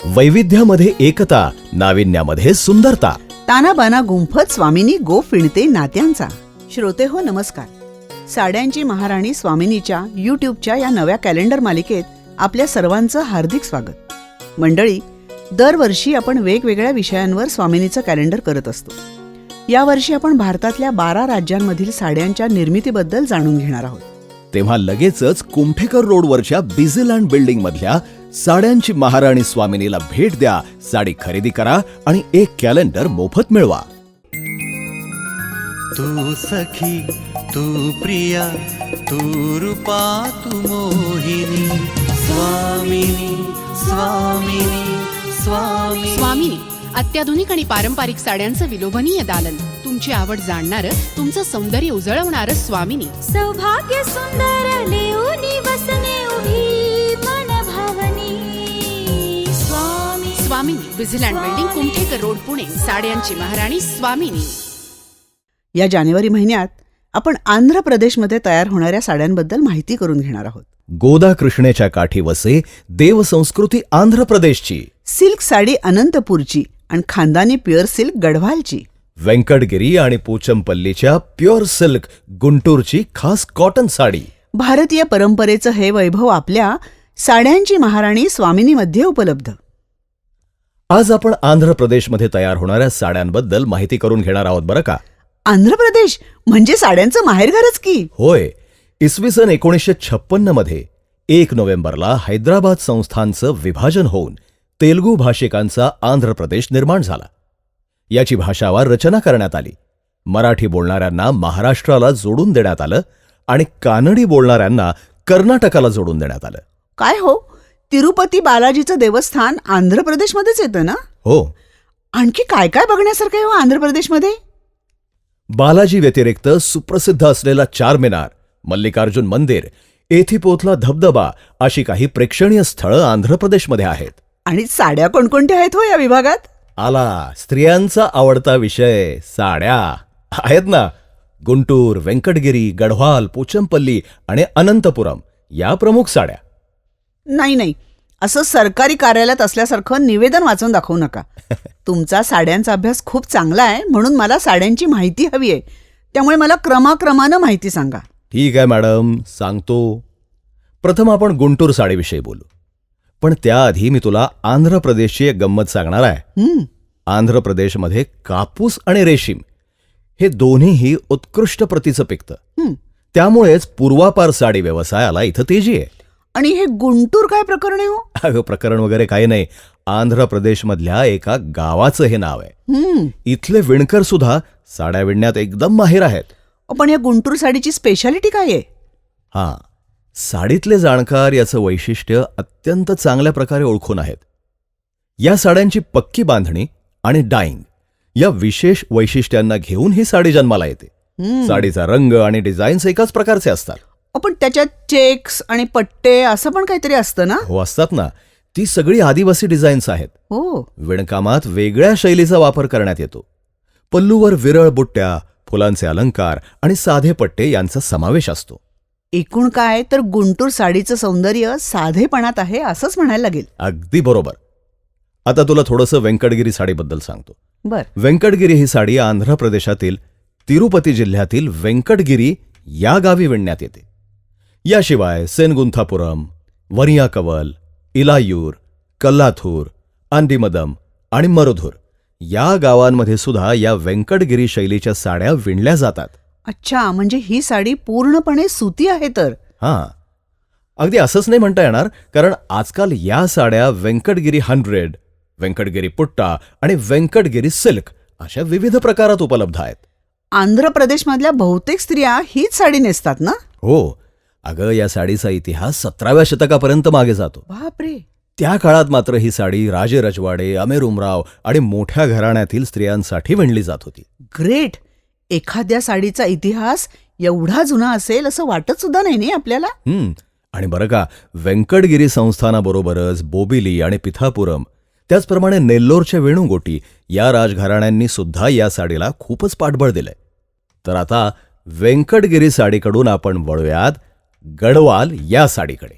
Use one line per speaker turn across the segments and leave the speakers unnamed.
वैविध्यामध्ये एकता, नाविन्यामध्ये सुंदरता.
तानाबाना गुंफत स्वामिनी गो फिणते नात्यांचा. श्रोते हो नमस्कार. साड्यांची महाराणी स्वामिनीच्या यूट्यूबच्या या नव्या कॅलेंडर मालिकेत आपल्या सर्वांचं हार्दिक स्वागत. मंडळी, दरवर्षी आपण वेगवेगळ्या विषयांवर स्वामिनीचं कॅलेंडर करत असतो. यावर्षी आपण भारतातल्या 12 राज्यांमधील साड्यांच्या निर्मितीबद्दल जाणून घेणार आहोत.
तेव्हा लगेचच कुमठेकर रोडवरच्या बिझीलँड बिल्डिंग मधल्या साड्यांची महाराणी स्वामिनीला भेट द्या, साडी खरेदी करा आणि एक कॅलेंडर मोफत मिळवा.
तू सखी, तू प्रिया, तू रूपा, तू मोहिनी. स्वामिनी स्वामिनी स्वामिनी.
स्वामिनी अत्याधुनिक आणि पारंपरिक साड्यांचं विलोभनीय दालन, तुमची आवड जाणणारं, तुमचं सौंदर्य उजळवणारं. स्वामिनी
सौभाग्य सुंदर लेऊनी वसने उभी मन भावनी.
Swamini Busyland building, Kumthekar road, Pune. साड्यांची महाराणी स्वामिनी.
या जानेवारी महिन्यात आपण आंध्र प्रदेशमध्ये तयार होणाऱ्या साड्यांबद्दल माहिती करून घेणार आहोत.
गोदा कृष्णेच्या काठी वसे देवसंस्कृती आंध्र प्रदेशची.
सिल्क साडी अनंतपूरची आणि खानदानी प्युअर सिल्क गढवालची.
व्यंकटगिरी आणि पोचमपल्लीच्या प्युअर सिल्क गुंटूरची खास कॉटन साडी.
भारतीय परंपरेचं हे वैभव आपल्या साड्यांची महाराणी स्वामिनीमध्ये उपलब्ध.
आज आपण आंध्र प्रदेशमध्ये तयार होणाऱ्या साड्यांबद्दल माहिती करून घेणार आहोत बरं का.
आंध्र प्रदेश म्हणजे साड्यांचं माहेरघरच की.
होय. इसवी सन 1956 मध्ये 1 नोव्हेंबरला हैदराबाद संस्थानचं विभाजन होऊन तेलुगू भाषिकांचा आंध्र प्रदेश निर्माण झाला. याची भाषावार रचना करण्यात आली. मराठी बोलणाऱ्यांना महाराष्ट्राला जोडून देण्यात आलं आणि कानडी बोलणाऱ्यांना कर्नाटकाला जोडून देण्यात आलं.
काय हो, तिरुपती बालाजीचं देवस्थान आंध्र प्रदेशमध्येच येतं ना?
हो.
आणखी काय काय बघण्यासारखं आहे हो आंध्र प्रदेशमध्ये?
बालाजी व्यतिरिक्त सुप्रसिद्ध असलेला चारमिनार, मल्लिकार्जुन मंदिर, एथिपोतला धबधबा अशी काही प्रेक्षणीय स्थळं आंध्र प्रदेशमध्ये आहेत.
आणि साड्या कोणकोणत्या आहेत हो या विभागात?
आला स्त्रियांचा आवडता विषय, साड्या आहेत ना. गुंटूर, व्यंकटगिरी, गढवाल, पोचमपल्ली आणि अनंतपुरम या प्रमुख साड्या.
नाही, असं सरकारी कार्यालयात असल्यासारखं निवेदन वाचून दाखवू नका. तुमचा साड्यांचा अभ्यास खूप चांगला आहे, म्हणून मला साड्यांची माहिती हवी आहे. त्यामुळे मला क्रमाक्रमानं माहिती सांगा.
ठीक आहे मॅडम, सांगतो. प्रथम आपण गुंटूर साडीविषयी बोलू, पण त्याआधी मी तुला आंध्र प्रदेशची एक गंमत सांगणार आहे. आंध्र प्रदेशमध्ये कापूस आणि रेशीम हे दोन्हीही उत्कृष्ट प्रतीचं पिकतं. त्यामुळेच पूर्वापार साडी व्यवसायाला इथं तेजी आहे.
आणि हे गुंटूर काय प्रकरण आहे हो?
अगं, प्रकरण वगैरे काही नाही. आंध्र प्रदेशमधल्या एका गावाचं हे नाव आहे. इथले विणकर सुद्धा साड्या विणण्यात एकदम माहिर आहेत.
पण या गुंटूर साडीची स्पेशालिटी काय आहे?
हां, साडीतले जाणकार याचं वैशिष्ट्य अत्यंत चांगल्या प्रकारे ओळखून आहेत. या साड्यांची पक्की बांधणी आणि डाईंग या विशेष वैशिष्ट्यांना घेऊन ही साडी जन्माला येते. साडीचा रंग आणि डिझाईन्स एकाच प्रकारचे असतात.
पण त्याच्यात चेक्स आणि पट्टे असं पण काहीतरी असतं ना?
हो, असतात ना. ती सगळी आदिवासी डिझाईन्स आहेत.
हो.
विणकामात वेगळ्या शैलीचा वापर करण्यात येतो. पल्लूवर विरळ बुट्ट्या, फुलांचे अलंकार आणि साधे पट्टे यांचा समावेश असतो.
एकूण काय तर गुंटूर साडीचं सौंदर्य साधेपणात आहे असंच म्हणायला लागेल.
अगदी बरोबर. आता तुला थोडंसं व्यंकटगिरी साडीबद्दल सांगतो.
बर.
व्यंकटगिरी ही साडी आंध्र प्रदेशातील तिरुपती जिल्ह्यातील व्यंकटगिरी या गावी विणण्यात येते. याशिवाय सेनगुंथापुरम, वरियाकवल, इलायूर, कल्लाथूर, आंडीमदम आणि मरुधूर या गावांमध्ये सुद्धा या व्यंकटगिरी शैलीच्या साड्या विणल्या जातात.
अच्छा, म्हणजे ही साडी पूर्णपणे सुती आहे तर?
हां, अगदी असंच नाही म्हणता येणार, कारण आजकाल या साड्या व्यंकटगिरी 100, व्यंकटगिरी पुट्टा आणि व्यंकटगिरी सिल्क अशा विविध प्रकारात उपलब्ध आहेत.
आंध्र प्रदेशमधल्या बहुतेक स्त्रिया हीच साडी नेसतात ना?
हो. अगं, या साडीचा इतिहास 17व्या शतकापर्यंत मागे जातो.
बापरे.
त्या काळात मात्र ही साडी राजे रजवाडे, अमेरुमराव आणि मोठ्या घराण्यातील स्त्रियांसाठी विणली जात होती.
ग्रेट. एखाद्या साडीचा इतिहास एवढा जुना असेल असं वाटत सुद्धा नाही आपल्याला.
आणि बरं का, व्यंकटगिरी संस्थानाबरोबरच बोबिली आणि पिथापुरम, त्याचप्रमाणे नेल्लोरच्या वेणुगोटी या राजघराण्यांनी सुद्धा या साडीला खूपच पाठबळ दिलंय. तर आता व्यंकटगिरी साडीकडून आपण वळूयात गढवाल या साडीकडे.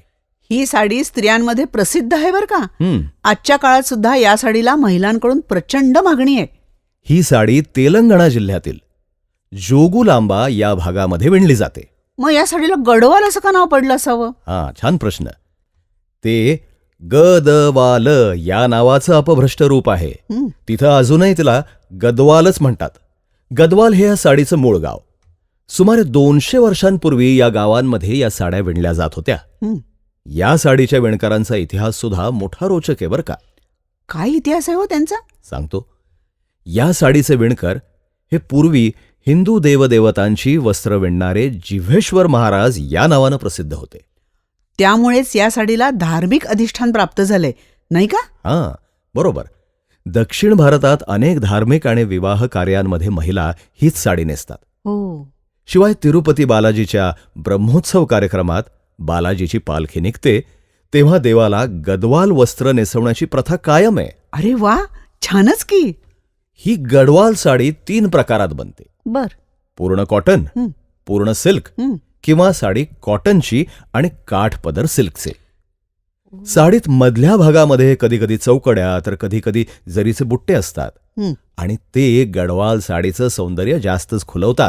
ही साडी स्त्रियांमध्ये प्रसिद्ध आहे बरं का.
हं,
आजच्या काळात सुद्धा या साडीला महिलांकडून प्रचंड मागणी आहे.
ही साडी तेलंगणा जिल्ह्यातील जोगुलांबा या भागामध्ये विणली जाते.
मग या साडीला गडवाल असं का नाव पडलं असावं?
हा, छान प्रश्न. ते गदवाल या नावाचं अपभ्रष्ट रूप आहे.
हं,
तिथं अजूनही तिला गदवालच म्हणतात. गदवाल हे या साडीचं मूळ गाव. सुमारे 200 वर्षांपूर्वी या गावांमध्ये या साड्या विणल्या जात होत्या.
हं.
या साडीच्या विणकरांचा इतिहास सुद्धा मोठा रोचक आहे बरं का.
काय इतिहास आहे हो त्यांचा?
सांगतो. या साडीचे विणकर हे पूर्वी हिंदू देवदेवतांची वस्त्र विणणारे जिव्हेश्वर महाराज या नावानं प्रसिद्ध होते.
त्यामुळेच या साडीला धार्मिक अधिष्ठान प्राप्त झाले, नाही का?
हां, बरोबर. दक्षिण भारतात अनेक धार्मिक आणि विवाह कार्यांमध्ये महिला हीच साडी नेसतात.
हो.
शिवाय तिरुपती बालाजीच्या ब्रह्मोत्सव कार्यक्रमात बालाजीची पालखी निघते तेव्हा देवाला गदवाल वस्त्र नेसवण्याची प्रथा कायम आहे.
अरे वा, छानच की.
ही गडवाल साडी 3 प्रकारात बनते.
बर.
पूर्ण कॉटन,
हं,
पूर्ण सिल्क
हं.
किंवा साडी कॉटनची आणि काठपदर सिल्कचे. साडीत मधल्या भागामध्ये कधीकधी चौकड्या तर कधीकधी जरीचे बुट्टे असतात
हं.
आणि ते गडवाल साडीचं सौंदर्य जास्तच खुलवतात.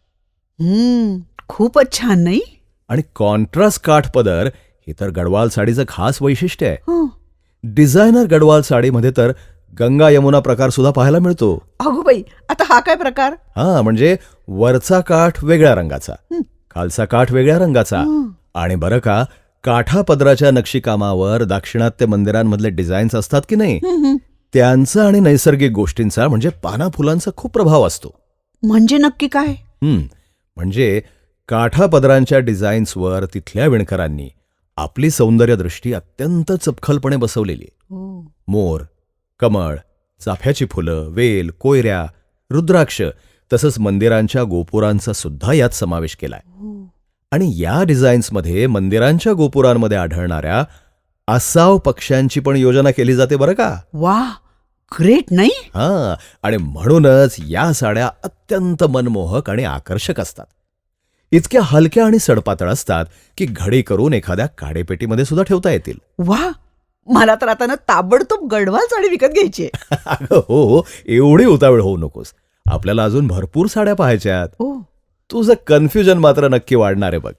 खूपच छान, नाही?
आणि कॉन्ट्रास्ट काठपदर हे तर गडवाल साडीचं खास वैशिष्ट्य आहे.
हं.
डिझायनर गडवाल साडीमध्ये तर गंगा यमुना प्रकार सुद्धा पाहायला मिळतो.
अगो बाई, आता हा काय प्रकार?
हा, म्हणजे वरचा काठ वेगळ्या रंगाचा,
हं.
खालचा काठ वेगळ्या रंगाचा.
हं.
आणि बरं का, काठापदराच्या नक्षीकामावर दाक्षिणात्य मंदिरांमधले डिझाईन्स असतात की नाही,
हं, हं.
त्यांचा आणि नैसर्गिक गोष्टींचा म्हणजे पाना फुलांचा खूप प्रभाव असतो.
म्हणजे नक्की काय?
म्हणजे काठापदरांच्या डिझाईन्सवर तिथल्या विणकरांनी आपली सौंदर्यदृष्टी अत्यंत चपखलपणे बसवलेली आहे. मोर, कमळ, चाफ्याची फुलं, वेल, कोयऱ्या, रुद्राक्ष तसंच मंदिरांच्या गोपुरांचा सुद्धा यात समावेश केलाय. आणि या डिझाईन्समध्ये मंदिरांच्या गोपुरांमध्ये आढळणाऱ्या आसाव पक्ष्यांची पण योजना केली जाते बरं का.
वा, ग्रेट, नाही?
हां, आणि म्हणूनच या साड्या अत्यंत मनमोहक आणि आकर्षक असतात. इतक्या हलक्या आणि सडपातळ असतात की घडी करून एखाद्या काडेपेटीमध्ये सुद्धा ठेवता येतील.
वा, मला तर आता ना ताबडतोब गडवाल साडी विकत घ्यायची आहे.
अगं हो, एवढी उतावळ होऊ नकोस. आपल्याला अजून भरपूर साड्या पाहायच्यात.
हो.
तुझं कन्फ्युजन मात्र नक्की वाढणार आहे बघ.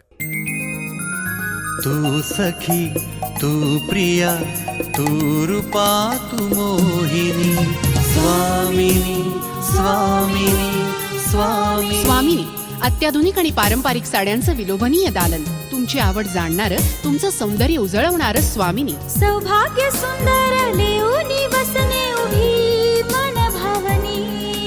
तू सखी, तू प्रिया, तू रूपा, तू मोहिनी. स्वामिनी, स्वामिनी, स्वामिनी.
स्वामिनी, अत्याधुनिक आणि पारंपरिक साड्यांचं विलोभनीय दालन. तुमची आवड जाणणारं, तुमचं सौंदर्य उजळवणारं स्वामिनी.
सौभाग्य सुंदर लेऊनी वसने उभी मन भावनी.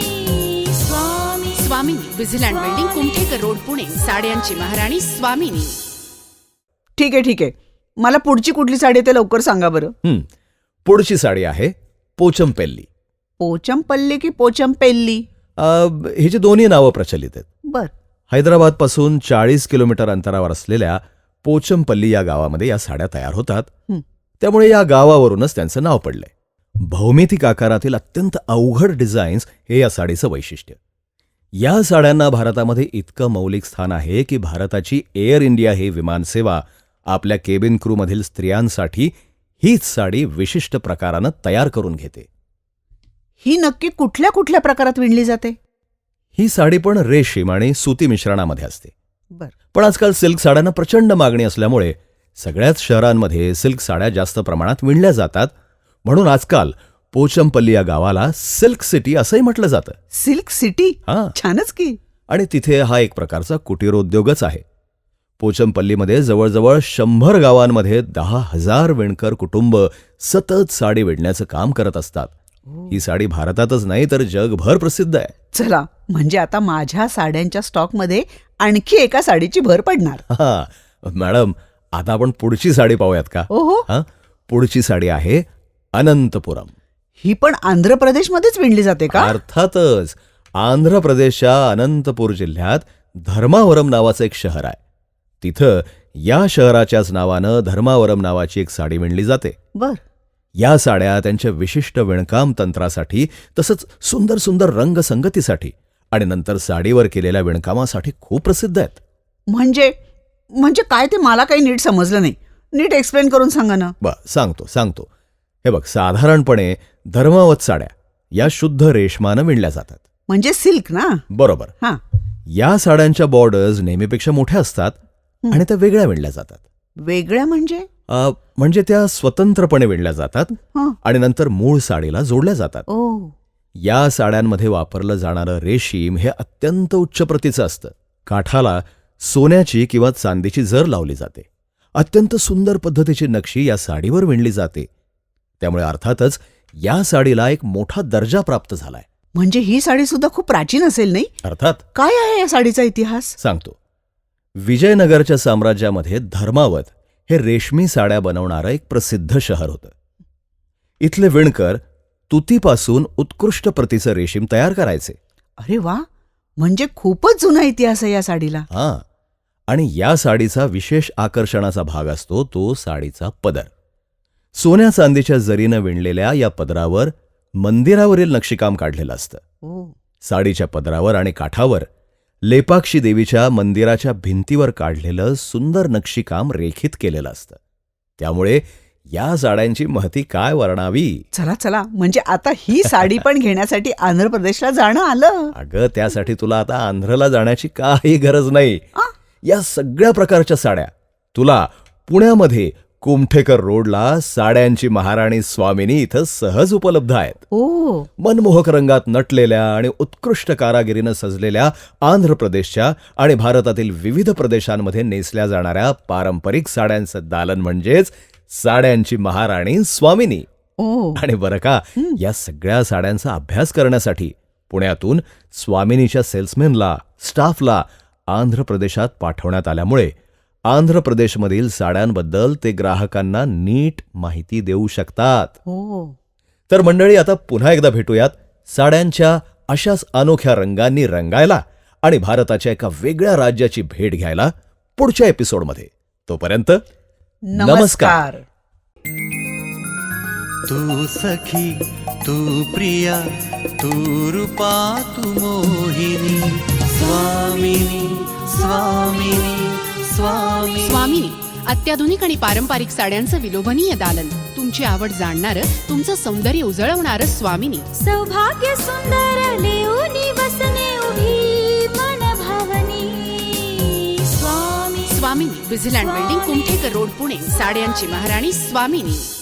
स्वामी
स्वामिनी, विझिलँड बिल्डिंग, कुमठेकर रोड, पुणे. साड्यांची महाराणी स्वामिनी.
ठीक आहे. मला पुढची कुठली साडी आहे ते लवकर सांगा बरं.
पुढची साडी आहे पोचमपेल्ली.
पोचमपल्ली की पोचमपेल्ली?
हिची दोन्ही नावं प्रचलित आहेत.
बर.
हैदराबादपासून 40 किलोमीटर अंतरावर असलेल्या पोचमपल्ली या गावामध्ये या साड्या तयार होतात.
हं.
त्यामुळे या गावावरूनच त्यांचं नाव पडलंय. भौमितिक आकारातील अत्यंत अवघड डिझाईन्स हे या साडीचं वैशिष्ट्य. या साड्यांना भारतामध्ये इतकं मौलिक स्थान आहे की भारताची एअर इंडिया ही विमानसेवा आपल्या केबिन क्रूमधील स्त्रियांसाठी हीच साडी विशिष्ट प्रकारानं तयार करून घेते.
ही नक्की कुठल्या कुठल्या प्रकारात विणली जाते?
ही साडी पण रेशीम आणि सुती मिश्रणामध्ये असते.
बर.
पण आजकाल सिल्क साड्यांना प्रचंड मागणी असल्यामुळे सगळ्याच शहरांमध्ये सिल्क साड्या जास्त प्रमाणात विणल्या जातात. म्हणून आजकाल पोचमपल्ली या गावाला सिल्क सिटी असंही म्हटलं जातं.
Silk city?
हां.
छानच की.
आणि तिथे हा एक प्रकारचा कुटीरोद्योगच आहे. पोचमपल्लीमध्ये जवळजवळ 100 गावांमध्ये 10,000 विणकर कुटुंब सतत साडी विणण्याचं काम करत असतात. ही साडी भारतातच नाही तर जगभर प्रसिद्ध आहे.
चला, म्हणजे आता माझ्या साड्यांच्या स्टॉकमध्ये आणखी एका साडीची भर पडणार.
हा, मॅडम, आता आपण पुढची साडी पाहूयात का?
ओहो.
पुढची साडी आहे अनंतपुरम.
ही पण आंध्र प्रदेशमध्येच विणली जाते का?
अर्थातच. आंध्र प्रदेशच्या अनंतपूर जिल्ह्यात धर्मावरम नावाचं एक शहर आहे. तिथं या शहराच्याच नावानं धर्मावरम नावाची एक साडी विणली जाते.
बर.
या साड्या त्यांच्या विशिष्ट विणकाम तंत्रासाठी तसंच सुंदर सुंदर रंगसंगतीसाठी आणि नंतर साडीवर केलेल्या विणकामासाठी खूप प्रसिद्ध आहेत.
म्हणजे काय ते मला काही नीट समजलं नाही. नीट एक्सप्लेन करून सांगा ना.
सांगतो. हे बघ, साधारणपणे धर्मावत साड्या या शुद्ध रेशमानं विणल्या जातात.
म्हणजे सिल्क ना.
बरोबर.
हा.
या साड्यांच्या बॉर्डर्स नेहमीपेक्षा मोठ्या असतात आणि त्या वेगळ्या विणल्या जातात.
वेगळ्या म्हणजे?
म्हणजे त्या स्वतंत्रपणे विणल्या जातात
हं.
आणि नंतर मूळ साडीला जोडल्या जातात.
ओ.
या साड्यांमध्ये वापरलं जाणारं रेशीम हे अत्यंत उच्च प्रतीचं असतं. काठाला सोन्याची किंवा चांदीची जर लावली जाते. अत्यंत सुंदर पद्धतीची नक्षी या साडीवर विणली जाते. त्यामुळे अर्थातच या साडीला एक मोठा दर्जा प्राप्त झालाय.
म्हणजे ही साडी सुद्धा खूप प्राचीन असेल नाही?
अर्थात.
काय आहे या साडीचा इतिहास?
सांगतो. विजयनगरच्या साम्राज्यामध्ये धर्मावत हे रेशमी साड्या बनवणारं एक प्रसिद्ध शहर होतं. इथले विणकर तुतीपासून उत्कृष्ट प्रतीचं रेशीम तयार करायचे.
अरे वा, म्हणजे खूपच जुना इतिहास आहे या साडीला.
हां. आणि या साडीचा विशेष आकर्षणाचा भाग असतो तो साडीचा पदर. सोन्या चांदीच्या जरीनं विणलेल्या या पदरावर मंदिरावरील नक्षीकाम काढलेलं असतं.
ओ.
साडीच्या पदरावर आणि काठावर लेपाक्षी देवीच्या मंदिराच्या भिंतीवर काढलेलं सुंदर नक्षीकाम रेखित केलेलं असतं. त्यामुळे या साड्यांची महती काय वर्णावी.
चला, म्हणजे आता ही साडी पण घेण्यासाठी आंध्र प्रदेशला जाणं आलं.
अगं, त्यासाठी तुला आता आंध्रला जाण्याची काही गरज नाही. या सगळ्या प्रकारच्या साड्या तुला पुण्यामध्ये कुमठेकर रोडला साड्यांची महाराणी स्वामिनी इथं सहज उपलब्ध आहेत.
ओ.
मनमोहक रंगात नटलेल्या आणि उत्कृष्ट कारागिरीनं सजलेल्या आंध्र प्रदेशच्या आणि भारतातील विविध प्रदेशांमध्ये नेसल्या जाणाऱ्या पारंपरिक साड्यांचं दालन म्हणजेच साड्यांची महाराणी स्वामिनी.
ओ.
आणि बरं का, या सगळ्या साड्यांचा अभ्यास करण्यासाठी पुण्यातून स्वामिनीच्या सेल्समॅनला, स्टाफला आंध्र प्रदेशात पाठवण्यात आल्यामुळे आंध्र प्रदेशमधील साड्यांबद्दल ते ग्राहकांना नीट माहिती देऊ शकतात.
ओ.
तर मंडळी, आता पुन्हा एकदा भेटूयात साड्यांच्या अशाच अनोख्या रंगांनी रंगायला आणि भारताच्या एका वेगळ्या राज्याची भेट घ्यायला पुढच्या एपिसोडमध्ये. तोपर्यंत
नमस्कार.
तू सखी, तू प्रिया, तू रूपा, तू मोहिनी. स्वामिनी, स्वामिनी, स्वामी.
स्वामिनी, अत्याधुनिक आणि पारंपरिक साड्यांचं विलोभनीय दालन. तुमची आवड जाणणारं, तुमचं सौंदर्य उजळवणारं स्वामिनी.
सौभाग्य सुंदर लेऊनी वसने उभी मन भावनी. स्वामी.
स्वामिनी, विझिलँड बिल्डिंग, कुमठेकर रोड, पुणे. साड्यांची महाराणी स्वामिनी.